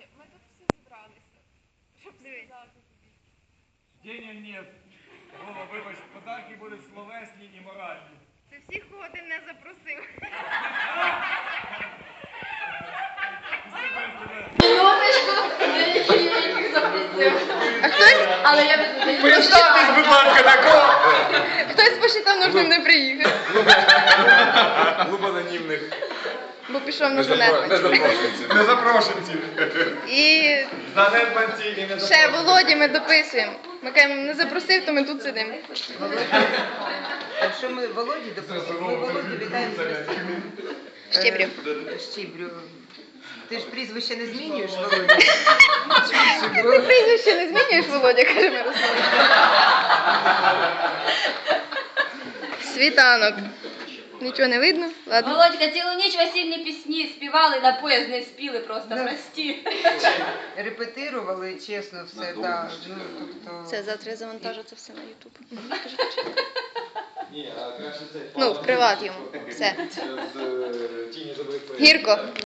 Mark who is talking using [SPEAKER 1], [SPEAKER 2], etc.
[SPEAKER 1] ми тут всі зібралися, щоб сказати тобі.
[SPEAKER 2] Денег нет. Вова, вибач, подарки будуть словесні і моральні.
[SPEAKER 1] Це всіх, кого ти не запросив.
[SPEAKER 3] Минуточку, я їх запросив.
[SPEAKER 4] А хтось,
[SPEAKER 3] Але я не
[SPEAKER 4] представтесь, будь ласка, такого.
[SPEAKER 5] Хтось посчитав нужним не приїхати,
[SPEAKER 4] Клуб анонімних
[SPEAKER 5] бо пішов на занедбанці.
[SPEAKER 4] незапрошенці.
[SPEAKER 5] І
[SPEAKER 4] Занедбанці і не
[SPEAKER 5] ще Володі ми дописуємо. Ми кажемо, не запросив, то ми тут сидимо.
[SPEAKER 6] Якщо ми Володі допустимо, ми Володю вітаємо з Росією.
[SPEAKER 5] Щебрю.
[SPEAKER 6] Щебрю. Ти ж прізвище не змінюєш, Володя?
[SPEAKER 5] Ти прізвище не змінюєш, Володя, каже Мирослав. Світанок. Нічого не видно? Ладно.
[SPEAKER 3] Володька, цілу ніч весільні пісні співали, на поїзд не спіли просто, прості.
[SPEAKER 6] Репетирували, чесно, все, так. Ну, тобто...
[SPEAKER 5] Все, завтра я завантажу це все на Ютуб.
[SPEAKER 4] Ні, а краще це.
[SPEAKER 5] Ну, в приват йому. Все.
[SPEAKER 4] З тіні забрик.
[SPEAKER 5] Гірко.